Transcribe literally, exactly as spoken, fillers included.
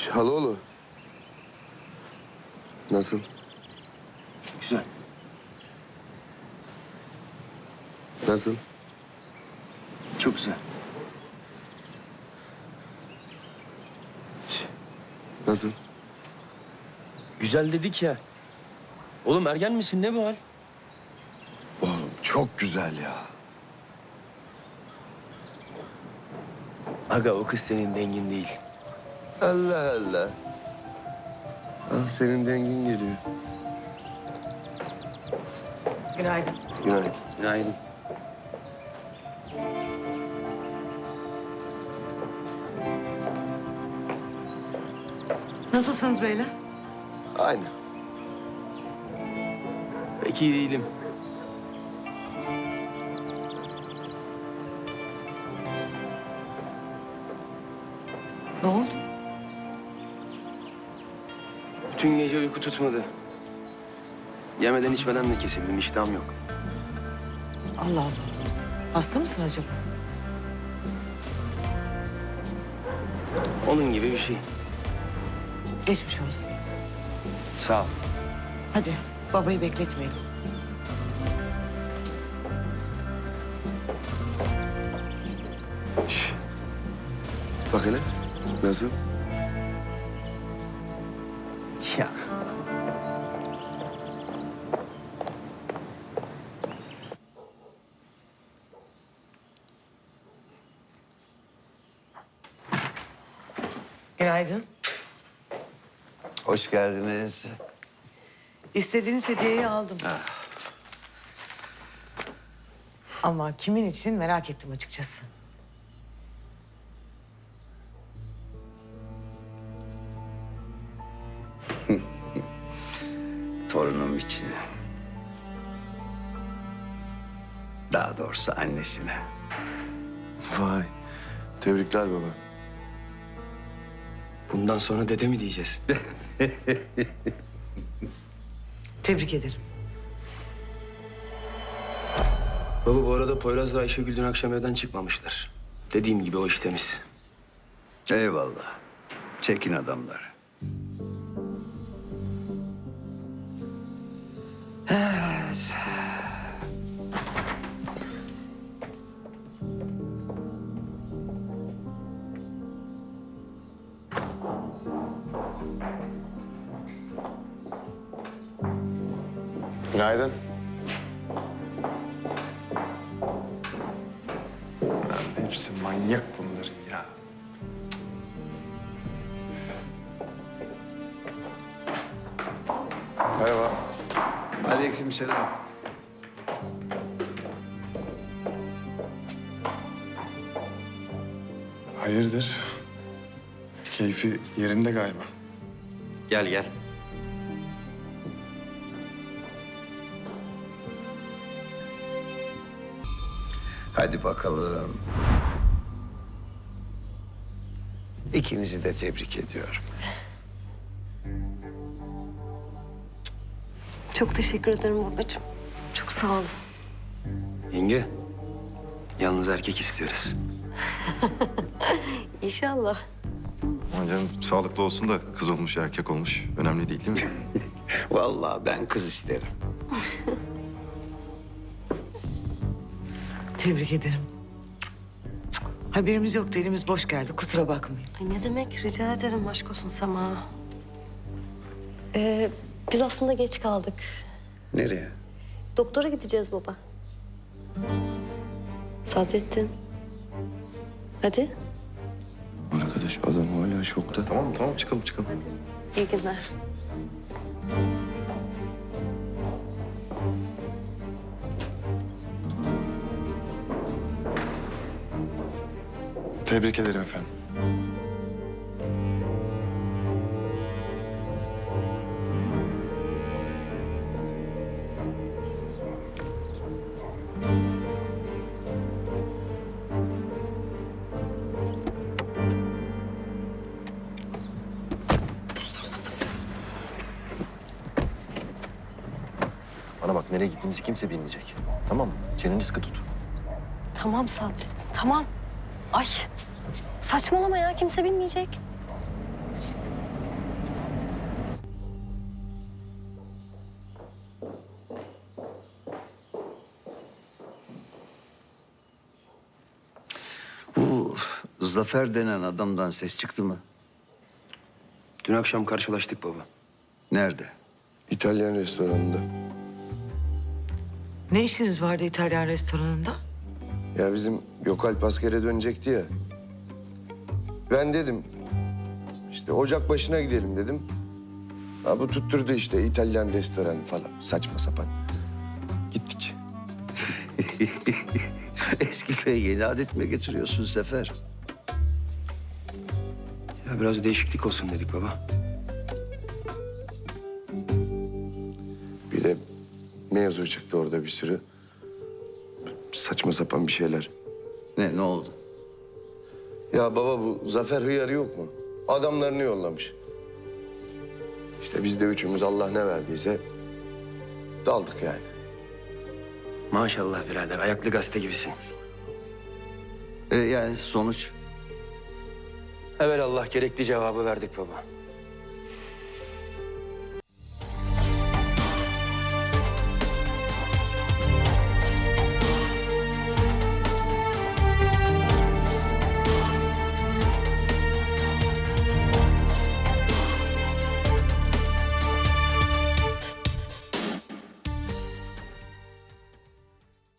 Çaloğlu. Nasıl? Güzel. Nasıl? Çok güzel. Nasıl? Güzel dedik ya. Oğlum ergen misin? Ne bu hal? Oğlum çok güzel ya. Aga o kız senin dengin değil. Allah Allah. Al senin dengin geliyor. Günaydın. Günaydın. Günaydın. Nasılsınız beyler? Aynı. Pek iyi değilim. Ne oldu? Bütün gece uyku tutmadı. Yemeden içmeden de kesildim. İştahım yok. Allah Allah. Hasta mısın acaba? Onun gibi bir şey. Geçmiş olsun. Sağ ol. Hadi babayı bekletmeyelim. Şş. Bak hele. Nasıl? Ya. Günaydın. Hoş geldiniz. İstediğiniz hediyeyi aldım. Ama kimin için merak ettim açıkçası. Torunum için. Daha doğrusu annesine. Vay. Tebrikler baba. Bundan sonra dede mi diyeceğiz? Tebrik ederim. Baba bu arada Poyraz'la Ayşegül dün akşam evden çıkmamışlar. Dediğim gibi o iş temiz. Eyvallah. Çekin adamları. Evet. Günaydın. Lan hepsi manyak bunların ya. Merhaba. Aleykümselam. Hayırdır? Keyfi yerinde galiba. Gel gel. Hadi bakalım. İkinizi de tebrik ediyorum. Çok teşekkür ederim babacığım. Çok sağ olun. Yenge. Yalnız erkek istiyoruz. İnşallah. Aman canım sağlıklı olsun da kız olmuş erkek olmuş. Önemli değil değil mi? Vallahi ben kız isterim. Tebrik ederim. Haberimiz yoktu, elimiz boş geldi. Kusura bakmayın. Ay ne demek? Rica ederim. Aşk olsun Sema. Ee, biz aslında geç kaldık. Nereye? Doktora gideceğiz baba. Sadrettin. Hadi. Arkadaş adam hala şokta. Tamam tamam çıkalım çıkalım. İyi günler. Tebrik ederim efendim. Bana bak nereye gittiğimizi kimse bilmeyecek. Tamam mı? Çeneni sıkı tut. Tamam Sadrettin. Tamam. Ay saçmalama ya. Kimse bilmeyecek. Zafer denen adamdan ses çıktı mı? Dün akşam karşılaştık baba. Nerede? İtalyan restoranında. Ne işiniz vardı İtalyan restoranında? Ya bizim Gökalp askere dönecekti ya. Ben dedim işte ocak başına gidelim dedim. Ha, bu tutturdu işte İtalyan restoranı falan saçma sapan. Gittik. Eski köye yeni adet mi getiriyorsun Sefer? Ya biraz değişiklik olsun dedik baba. Bir de mevzu çıktı orada bir sürü. Saçma sapan bir şeyler. Ne, ne oldu? Ya baba bu Zafer hıyarı yok mu? Adamlarını yollamış. İşte biz de üçümüz Allah ne verdiyse daldık yani. Maşallah birader, ayaklı gazete gibisin. E, yani sonuç? Evet Allah gerekli cevabı verdik baba.